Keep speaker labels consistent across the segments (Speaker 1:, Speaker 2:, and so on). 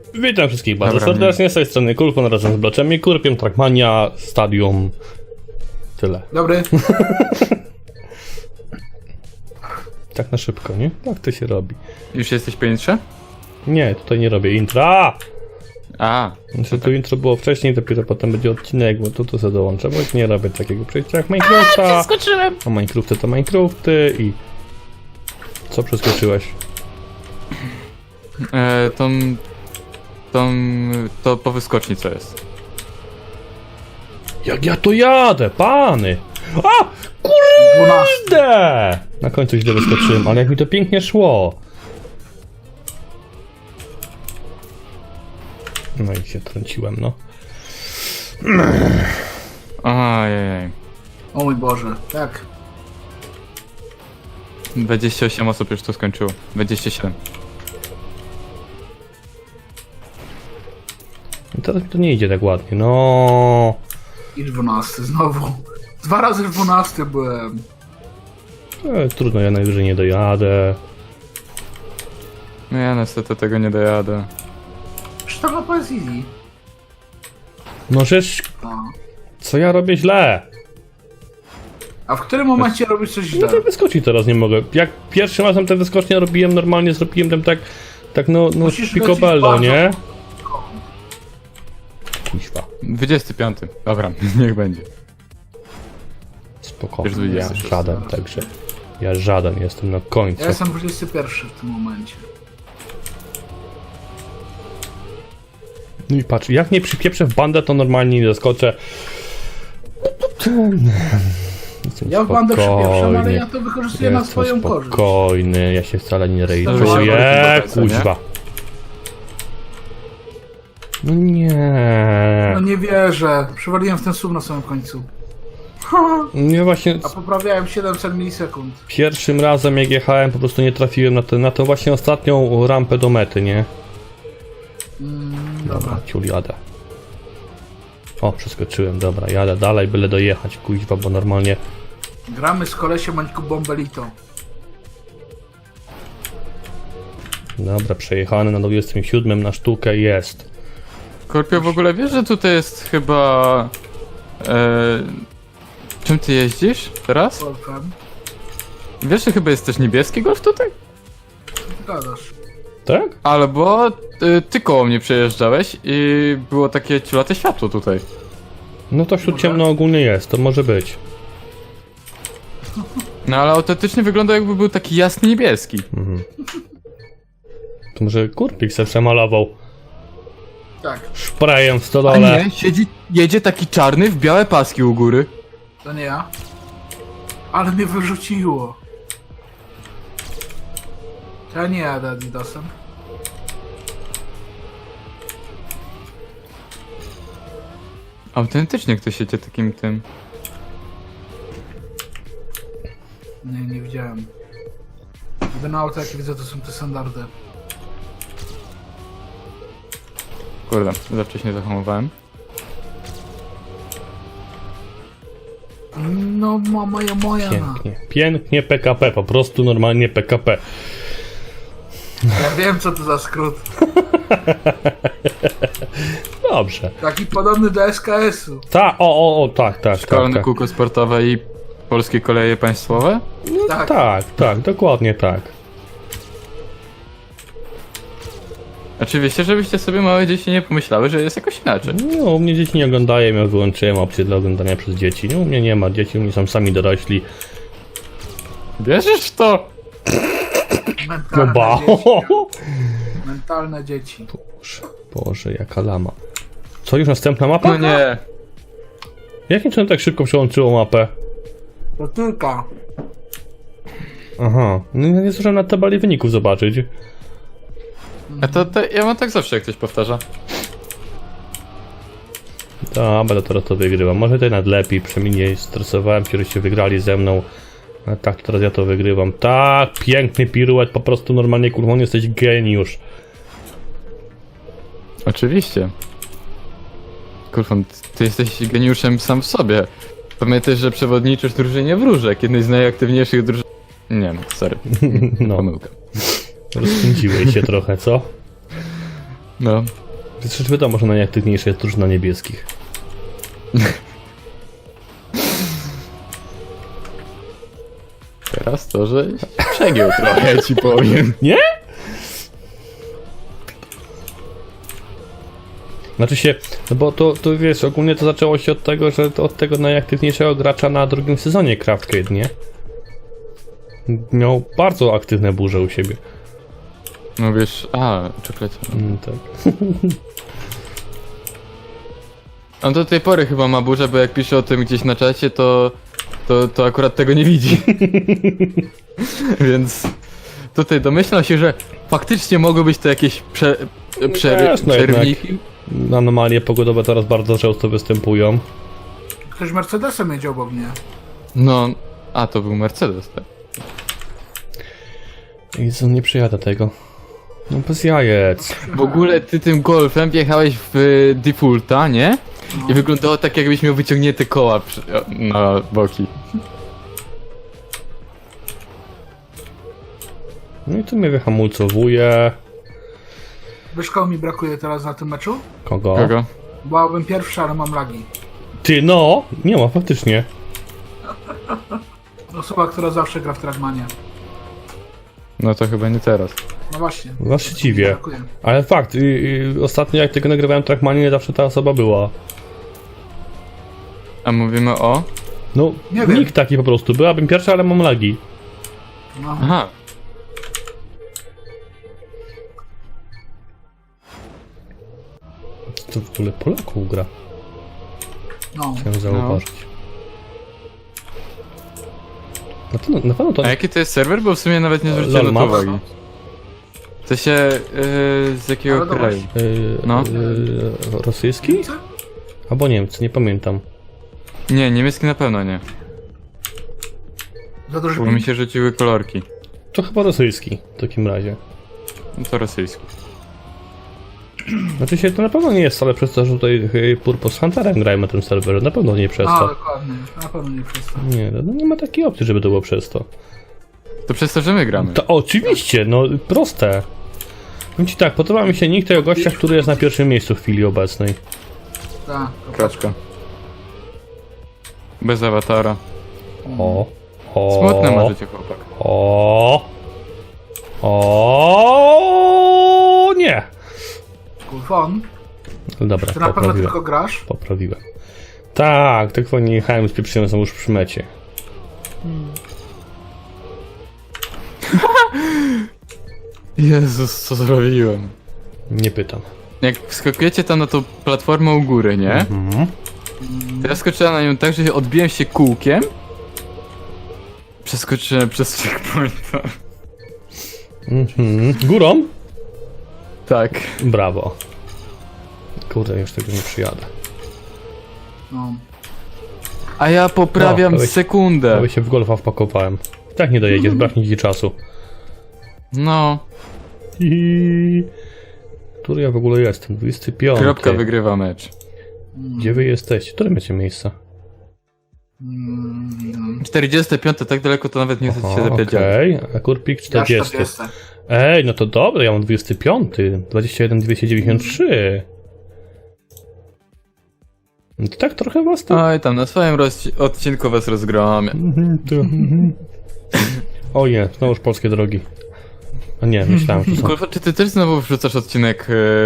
Speaker 1: Witam wszystkich bardzo
Speaker 2: Dobra,
Speaker 1: serdecznie, z tej strony Kulfon razem z Bloczem i Kurpiem, Trackmania, Stadium, tyle.
Speaker 3: Dobry.
Speaker 1: Tak na szybko, nie? Tak to się robi.
Speaker 2: Już jesteś po intrze?
Speaker 1: Nie, tutaj nie robię intra.
Speaker 2: A,
Speaker 1: Znaczy tu intro było wcześniej, dopiero potem będzie odcinek, bo tu sobie dołączę, bo nie robię takiego przejścia jak Minecrafta.
Speaker 4: Skoczyłem!
Speaker 1: A Minecrafty to Minecrafty i... Co przeskoczyłeś?
Speaker 2: to po wyskoczni co jest?
Speaker 1: Jak ja to jadę, pany! A!
Speaker 3: 12.
Speaker 1: Kurde! Na końcu źle wyskoczyłem, ale jak mi to pięknie szło. No i się trąciłem, no.
Speaker 2: Ojej.
Speaker 3: O mój Boże, tak.
Speaker 2: 28 osób już to skończyło. 27.
Speaker 1: I teraz mi to nie idzie tak ładnie, no.
Speaker 3: I 12 znowu. 2 razy 12 byłem.
Speaker 1: Trudno, ja najwyżej nie dojadę.
Speaker 2: No ja niestety tego nie dojadę.
Speaker 3: Czy ta mapa jest easy?
Speaker 1: No żeż,
Speaker 3: A.
Speaker 1: co ja robię źle?
Speaker 3: A w którym momencie robisz coś
Speaker 1: No
Speaker 3: źle?
Speaker 1: to wyskoczyć teraz nie mogę. Jak pierwszym razem te wyskocznie robiłem, normalnie zrobiłem tam tak no
Speaker 3: Musisz
Speaker 1: picobello,
Speaker 3: lecieć
Speaker 1: nie?
Speaker 3: bardzo.
Speaker 1: Kuźwa,
Speaker 2: 25. Dobra, niech będzie.
Speaker 1: spokojnie,
Speaker 2: Już
Speaker 1: ja
Speaker 2: 26.
Speaker 1: żaden, także ja żaden jestem na końcu.
Speaker 3: Ja jestem 21 w tym momencie.
Speaker 1: No i patrz, jak nie przypieprzę w bandę, to normalnie nie zaskoczę. Jestem
Speaker 3: Ja w bandę przypieprzam, ale
Speaker 1: spokojny.
Speaker 3: ja to wykorzystuję na swoją korzyść.
Speaker 1: Spokojny, ja się wcale nie
Speaker 2: Weź
Speaker 1: rejduję,
Speaker 2: się
Speaker 1: kuźwa. No nie.
Speaker 3: No nie wierzę. Przywaliłem w ten sum na samym końcu.
Speaker 1: Nie właśnie
Speaker 3: A poprawiałem 700 milisekund.
Speaker 1: pierwszym razem jak jechałem po prostu nie trafiłem na tą właśnie ostatnią rampę do mety, nie? Dobra, ciul jadę. O, przeskoczyłem, dobra, jadę dalej, byle dojechać, kuźwa, bo normalnie...
Speaker 3: Gramy z kolesiem Mańku Bombelito.
Speaker 1: Dobra, przejechany na 27 na sztukę jest.
Speaker 2: Korpio, w ogóle wiesz, że tutaj jest chyba... Czym ty jeździsz teraz?
Speaker 3: Golfem.
Speaker 2: Wiesz, że chyba jest też niebieski golf tutaj?
Speaker 3: Gadasz.
Speaker 1: Tak?
Speaker 2: Albo ty koło mnie przejeżdżałeś i było takie ciulate światło tutaj.
Speaker 1: No to wśród ciemno ogólnie jest, to może być.
Speaker 2: No ale autentycznie wygląda jakby był taki jasny niebieski.
Speaker 1: To może Kurpik se przemalował
Speaker 3: Tak,
Speaker 1: szprejem w
Speaker 2: A
Speaker 1: stodole.
Speaker 2: nie, jedzie taki czarny w białe paski u góry.
Speaker 3: to nie ja. Ale mnie wyrzuciło. To ja nie jadę Adidasem.
Speaker 2: Autentycznie ktoś jedzie takim tym.
Speaker 3: Nie widziałem. Jedyne auto jakie widzę to są te standardy.
Speaker 2: Kurde, za wcześnie zahamowałem.
Speaker 3: No moja.
Speaker 1: Pięknie, pięknie PKP, po prostu normalnie PKP.
Speaker 3: Ja wiem co to za skrót.
Speaker 1: Dobrze.
Speaker 3: Taki podobny do SKS-u.
Speaker 1: Tak.
Speaker 2: Szkolne kółko sportowe i polskie koleje państwowe?
Speaker 3: Tak.
Speaker 1: Dokładnie tak.
Speaker 2: Oczywiście, żebyście sobie małe dzieci nie pomyślały, że jest jakoś inaczej.
Speaker 1: No, u mnie dzieci nie oglądają, ja wyłączyłem opcję dla oglądania przez dzieci. No, u mnie nie ma dzieci, u mnie są sami dorośli.
Speaker 2: Wierzysz w to?
Speaker 3: Mentalne
Speaker 1: Ba.
Speaker 3: dzieci. Mentalne dzieci.
Speaker 1: Boże, jaka lama. Co, już następna mapa?
Speaker 2: No nie.
Speaker 1: Jakim cudem tak szybko przełączyło mapę?
Speaker 3: To tylko.
Speaker 1: Aha, no nie zdążyłem na tabeli wyników zobaczyć.
Speaker 2: A to ja mam tak zawsze, jak ktoś powtarza.
Speaker 1: Dobra, teraz to wygrywam. Może tutaj nawet lepiej, przynajmniej nie stresowałem się, żeście wygrali ze mną. A tak, teraz ja to wygrywam. Tak, piękny piruet, po prostu normalnie, kurwa, jesteś geniusz.
Speaker 2: Oczywiście. Kurwa, ty jesteś geniuszem sam w sobie. Pamiętaj, że przewodniczysz drużynie Wróżek, jednej z najaktywniejszych drużyn... Nie no, sorry.
Speaker 1: No,
Speaker 2: Pomyłka.
Speaker 1: rozpędziłeś się trochę, co?
Speaker 2: No.
Speaker 1: Przecież wiadomo, że najaktywniejsza jest drużyna niebieskich.
Speaker 2: Teraz to, że przegiął trochę, ci powiem.
Speaker 1: Nie? Znaczy się, no bo to wiesz, ogólnie to zaczęło się od tego, że to od tego najaktywniejszego gracza na drugim sezonie Craftcade, nie? Miał bardzo aktywne burze u siebie.
Speaker 2: No wiesz, czekolecie.
Speaker 1: Tak.
Speaker 2: On do tej pory chyba ma burzę, bo jak pisze o tym gdzieś na czacie, to akurat tego nie widzi. Więc tutaj domyślam się, że faktycznie mogły być to jakieś
Speaker 1: Wiesz, no
Speaker 2: przerwniki.
Speaker 1: Anomalie pogodowe teraz bardzo często występują.
Speaker 3: Ktoś Mercedesem jedzie obok mnie.
Speaker 2: No, to był Mercedes, tak.
Speaker 1: Jezu, nie przyjadę tego. No bez jajec.
Speaker 2: W ogóle ty tym golfem wjechałeś w defaulta, nie? I wyglądało tak, jakbyś miał wyciągnięte koła na boki.
Speaker 1: No i tu mnie wyhamulcowuje.
Speaker 3: Wiesz, kogo mi brakuje teraz na tym meczu?
Speaker 1: Kogo?
Speaker 2: Kogo?
Speaker 3: Byłabym pierwszy, ale mam lagi.
Speaker 1: Ty, no! Nie ma, faktycznie.
Speaker 3: Osoba, która zawsze gra w Trackmanie.
Speaker 2: No to chyba nie teraz.
Speaker 3: No właśnie.
Speaker 1: Was się
Speaker 3: Mi
Speaker 1: dziwię.
Speaker 3: brakuje.
Speaker 1: Ale fakt, ostatnio jak tego nagrywałem Trackmanie, nie zawsze ta osoba była.
Speaker 2: A mówimy o?
Speaker 1: No,
Speaker 3: Nie wiem.
Speaker 1: nikt taki po prostu. Byłabym pierwsza, ale mam lagi.
Speaker 3: No.
Speaker 2: Aha.
Speaker 1: To w ogóle Polaków gra.
Speaker 3: No.
Speaker 1: Chciałem zauważyć. Na pewno to...
Speaker 2: A jaki to jest serwer? Bo w sumie nawet nie zwróciłem na to
Speaker 1: LOL Maps.
Speaker 2: uwagi. To się... z jakiego
Speaker 3: Ale
Speaker 2: kraju?
Speaker 1: No.
Speaker 2: No.
Speaker 1: Rosyjski? Albo Niemcy, nie pamiętam.
Speaker 2: Nie, niemiecki na pewno nie.
Speaker 3: Za duży
Speaker 2: Bo mi
Speaker 3: ping.
Speaker 2: się rzuciły kolorki.
Speaker 1: To chyba rosyjski w takim razie.
Speaker 2: No to rosyjski.
Speaker 1: Znaczy się to na pewno nie jest wcale przez to, że tutaj Purpose Hunterem grajmy na tym serwerze. Na pewno nie przez to.
Speaker 3: Dokładnie. Na pewno nie przez to.
Speaker 1: Nie, no nie ma takiej opcji, żeby to było przez to.
Speaker 2: To przez to, że my gramy.
Speaker 1: To oczywiście, no proste. Powiem ci tak, podoba mi się nick tego gościa, który jest na pierwszym miejscu w chwili obecnej.
Speaker 3: Tak.
Speaker 2: Kraczka. Bez awatara.
Speaker 1: O. O.
Speaker 2: Smutne ma życie, chłopak.
Speaker 1: O. Nie.
Speaker 3: Kulfon.
Speaker 1: Dobra,
Speaker 3: Ty na pewno
Speaker 1: poprawiłem.
Speaker 3: tylko grasz?
Speaker 1: Poprawiłem. Tak, tylko nie jechałem z pieprzyłem, są już przy mecie.
Speaker 2: Jezus, co zrobiłem?
Speaker 1: Nie pytam.
Speaker 2: Jak wskakujecie tam na tą platformę u góry, nie?
Speaker 1: Mhm.
Speaker 2: To ja skoczyłem na nią tak, że odbiłem się kółkiem. Przeskoczyłem przez checkpointa.
Speaker 1: Mhm. Górą?
Speaker 2: Tak.
Speaker 1: Brawo. Kurde, już tego nie przyjadę.
Speaker 3: No.
Speaker 2: A ja poprawiam
Speaker 1: No,
Speaker 2: sekundę.
Speaker 1: Prawie się w golfa wpakowałem. Tak nie dojedziesz, braknie ci czasu.
Speaker 2: No.
Speaker 1: Który ja w ogóle jestem? 25.
Speaker 2: Kropka wygrywa mecz.
Speaker 1: Gdzie wy jesteście? Które macie miejsca?
Speaker 2: 45, tak daleko to nawet nie chcę się zapierdziać.
Speaker 1: Okej, a Kurpik
Speaker 3: Ja
Speaker 1: 40.
Speaker 3: 40.
Speaker 1: Ej, no to dobre, ja mam 25. 21 293. No to tak trochę was tam.
Speaker 2: Oj, tam na swoim odcinku was rozgromię.
Speaker 1: O nie, znowuż polskie drogi. A nie, myślałem, że są.
Speaker 2: Kurwa, czy ty też znowu wrzucasz odcinek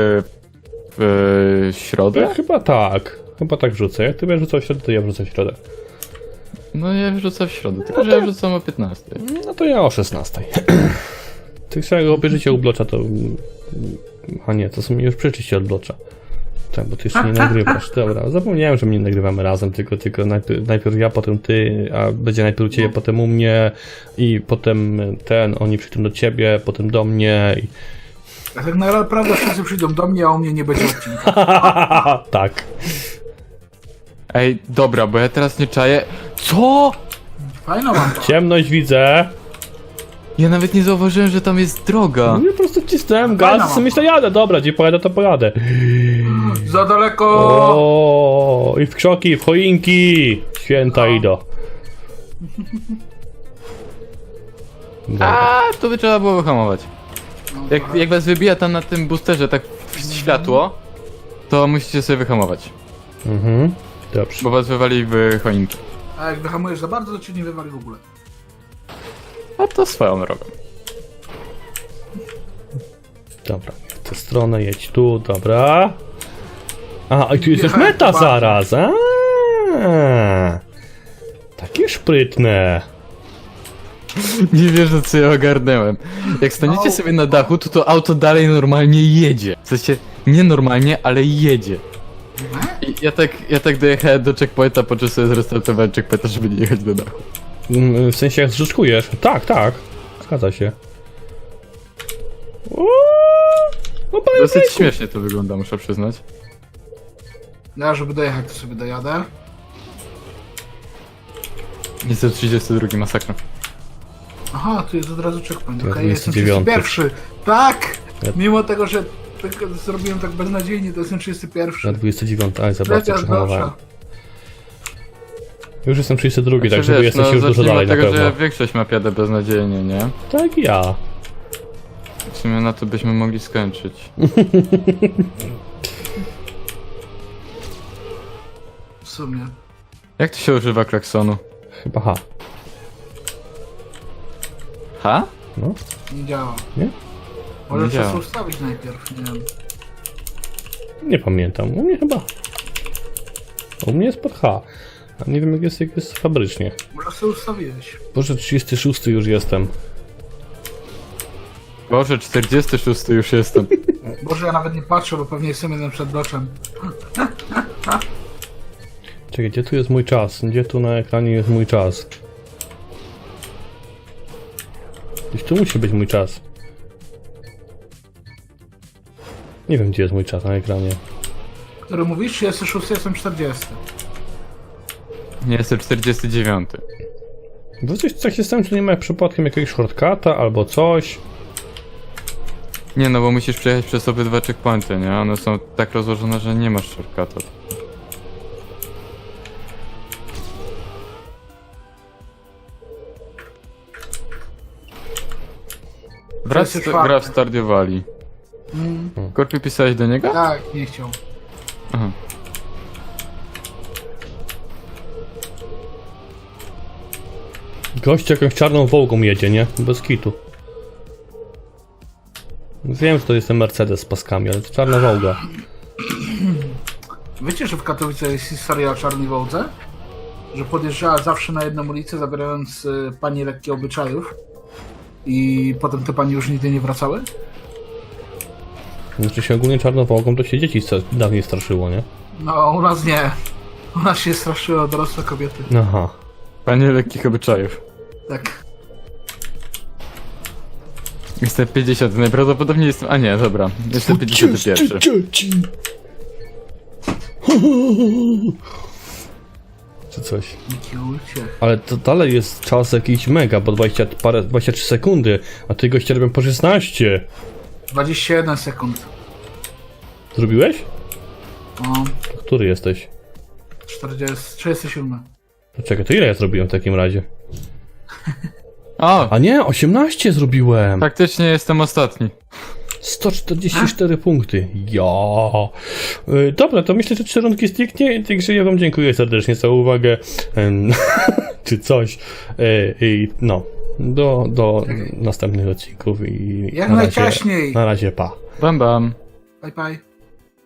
Speaker 2: w środę?
Speaker 1: Ja chyba tak. Chyba tak wrzucę. Jak ty będziesz rzucał w środę, to ja wrzucę w środę.
Speaker 2: No ja wrzucam w środę, tylko że ja wrzucam o 15.
Speaker 1: No to ja o 16. Ty jak obejrzycie u Blocza, to... A nie, to są już przeczyście od Blocza. Tak, bo ty jeszcze nie nagrywasz. Dobra, zapomniałem, że my nie nagrywamy razem, tylko najpierw ja, potem ty, a będzie najpierw u ciebie, potem u mnie i potem oni przyjdą do ciebie, potem do mnie i...
Speaker 3: A tak naprawdę wszyscy przyjdą do mnie, a u mnie nie będzie odcinka.
Speaker 1: Tak.
Speaker 2: Ej, dobra, bo ja teraz nie czaję. Co?
Speaker 3: Fajno mam to.
Speaker 1: Ciemność widzę.
Speaker 2: Ja nawet nie zauważyłem, że tam jest droga.
Speaker 1: No ja po prostu wcisnąłem
Speaker 3: Fajna
Speaker 1: gaz i sobie
Speaker 3: mam.
Speaker 1: myślę, jadę, dobra, gdzie pojadę, to pojadę.
Speaker 3: Za daleko!
Speaker 1: O, i w krzoki, w choinki. Święta idą. Dobra.
Speaker 2: A, to by trzeba było wyhamować. Jak was wybija tam na tym boosterze, tak światło, to musicie sobie wyhamować.
Speaker 1: Mhm. Dobrze.
Speaker 2: Bo was wywali w choinkę.
Speaker 3: A jak wyhamujesz za bardzo, to cię nie wywali w ogóle.
Speaker 2: A to swoją drogą.
Speaker 1: Dobra, w tę stronę, jedź tu, dobra. A, i tu jest już
Speaker 3: Jechałem
Speaker 1: meta
Speaker 3: bardzo.
Speaker 1: zaraz. Takie szprytne.
Speaker 2: Nie wierzę, co ja ogarnęłem. Jak staniecie
Speaker 3: No.
Speaker 2: sobie na dachu, to auto dalej normalnie jedzie. W sensie, nie normalnie, ale jedzie. I ja tak dojechałem do checkpointa, po czym sobie zrestartowałem checkpointa, żeby nie jechać do dachu.
Speaker 1: W sensie jak zrzeczkujesz? Tak, tak. Zgadza się. Uuu, no panie
Speaker 2: Dosyć
Speaker 1: Bejku.
Speaker 2: śmiesznie to wygląda, muszę przyznać.
Speaker 3: Ja, żeby dojechać, to sobie dojadę.
Speaker 2: Niestety 32 masakra.
Speaker 3: Aha, tu jest od razu checkpoint.
Speaker 1: Ja
Speaker 3: Okej, jestem
Speaker 1: 29.
Speaker 3: 31. Tak!
Speaker 1: Ja-
Speaker 3: Mimo tego, że zrobiłem tak beznadziejnie, to jestem 31.
Speaker 1: Na 29. Aj, za bardzo
Speaker 3: Lecia
Speaker 1: przehamowałem.
Speaker 3: gorsza.
Speaker 1: Już jestem 32,
Speaker 2: Znaczy,
Speaker 1: także wy jesteście już dużo
Speaker 2: zacznijmy
Speaker 1: dalej
Speaker 2: od tego,
Speaker 1: na pewno.
Speaker 2: że większość map jadę beznadziejnie, nie?
Speaker 1: Tak i ja.
Speaker 2: W sumie na to byśmy mogli skończyć.
Speaker 3: W sumie.
Speaker 2: Jak to się używa klaksonu?
Speaker 1: Chyba H.
Speaker 2: Ha?
Speaker 1: No.
Speaker 3: Nie działa.
Speaker 1: Nie?
Speaker 3: Może
Speaker 2: Nie
Speaker 3: trzeba
Speaker 2: działa.
Speaker 3: sobie ustawić najpierw, nie wiem.
Speaker 1: Nie pamiętam. U mnie chyba. U mnie jest pod H. A nie wiem jak jest fabrycznie.
Speaker 3: Może sobie ustawiłeś.
Speaker 1: Boże, 36 już jestem.
Speaker 2: Boże, 46 już jestem.
Speaker 3: Może ja nawet nie patrzę, bo pewnie jestem jeden przed bloczem.
Speaker 1: Czekaj, gdzie tu jest mój czas? Gdzie tu na ekranie jest mój czas? Gdzieś tu musi być mój czas. Nie wiem, gdzie jest mój czas na ekranie.
Speaker 3: Który mówisz? 36, jestem 40.
Speaker 2: Nie, jestem 49.
Speaker 1: Bo coś się stało, czy nie ma przypadkiem jakiegoś shortcuta albo coś.
Speaker 2: Nie, no bo musisz przejechać przez obydwa checkpointy, nie? One są tak rozłożone, że nie masz shortcuta. Wraz gra w Stardew Valley. Korpi, pisałeś do niego?
Speaker 3: Tak, nie chciał.
Speaker 2: Aha.
Speaker 1: Gość jakąś czarną Wołgą jedzie, nie? Bez kitu. Wiem, że to jest ten Mercedes z paskami, ale to czarna Wołga.
Speaker 3: Wiecie, że w Katowicach jest historia o czarnej Wołdze? Że podjeżdżała zawsze na jedną ulicę, zabierając pani lekkie obyczajów. I potem te pani już nigdy nie wracały?
Speaker 1: Znaczy się ogólnie czarną Wołgą to się dzieci dawniej straszyło, nie?
Speaker 3: No, u nas nie. U nas się straszyły dorosłe kobiety.
Speaker 1: Aha.
Speaker 2: Panie lekkich obyczajów.
Speaker 3: Tak.
Speaker 2: Jestem 50, najprawdopodobniej jestem... A nie, dobra. Jestem 51.
Speaker 1: Czy coś.
Speaker 3: Jaki uciech.
Speaker 1: Ale to dalej jest czas jakiś mega, bo 23 sekundy, a ty goście robią po 16.
Speaker 3: 21 sekund.
Speaker 1: Zrobiłeś?
Speaker 3: No,
Speaker 1: Który jesteś?
Speaker 3: 37.
Speaker 1: No czekaj, to ile ja zrobiłem w takim razie?
Speaker 2: O!
Speaker 1: A nie, 18 zrobiłem!
Speaker 2: Faktycznie jestem ostatni.
Speaker 1: 144 punkty. Ja. Dobra, to myślę, że 3 rundki zniknie, także ja wam dziękuję serdecznie za uwagę. Czy coś. I no, do następnych odcinków i
Speaker 3: Jak najciaśniej.
Speaker 1: na razie pa.
Speaker 2: Bam bam.
Speaker 3: Bye bye.